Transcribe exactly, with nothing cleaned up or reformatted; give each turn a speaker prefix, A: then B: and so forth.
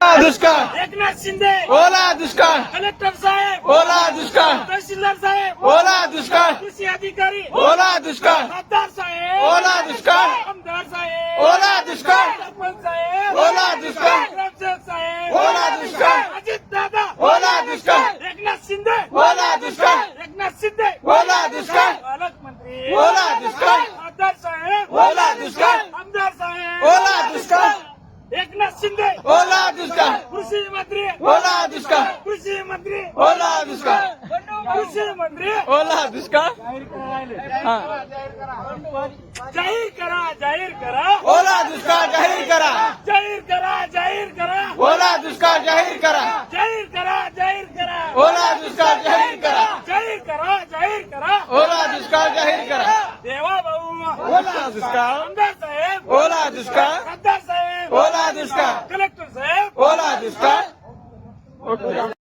A: दुष्काळ
B: एकनाथ शिंदे
A: ओला दुष्काळ
B: कलेक्टर साहेब
A: ओला दुष्काळ
B: तहसीलदार साहेब
A: ओला दुष्काळ
B: कृषी अधिकारी
A: ओला दुष्काळ
B: खासदार साहेब
A: ओला दुष्काळ
B: आमदार साहेब
A: ओला दुष्काळ
B: सरपंच साहेब
A: ओला दुष्काळ
B: ग्रामसेवक साहेब
A: ओला दुष्काळ
B: अजित दादा
A: ओला दुष्काळ
B: एकनाथ शिंदे
A: ओला दुष्काळ
B: एकनाथ शिंदे
A: ओला दुष्काळ
B: पालकमंत्री
A: ओला दुष्काळ
B: खासदार साहेब
A: ओला दुष्काळ
B: आमदार साहेब
A: ओला दुष्काळ
B: एकनाथ शिंदे
A: ओला दुष्काळ
B: कृषी मंत्री
A: ओला दुष्काळ
B: कृषी मंत्री
A: ओला दुष्काळ
B: कृषी मंत्री
A: ओला दुष्काळ हा.
B: जाहीर करा जाहीर करा
A: ओला दुष्काळ जाहीर करा
B: जाहीर करा जाहीर करा
A: ओला दुष्काळ जाहीर करा
B: जाहीर करा जाहीर करा
A: ओला दुष्काळ जाहीर करा
B: जाहीर करा जाहीर करा
A: ओला दुष्काळ जाहीर करा
B: देवा भाऊ
A: ओला दुष्काळ
B: आमदार साहेब
A: ओला दुष्काळ
B: खासदार साहेब
A: ओला दुष्काळ
B: कलेक्टर साहेब
A: ओला दुष्काळ ओके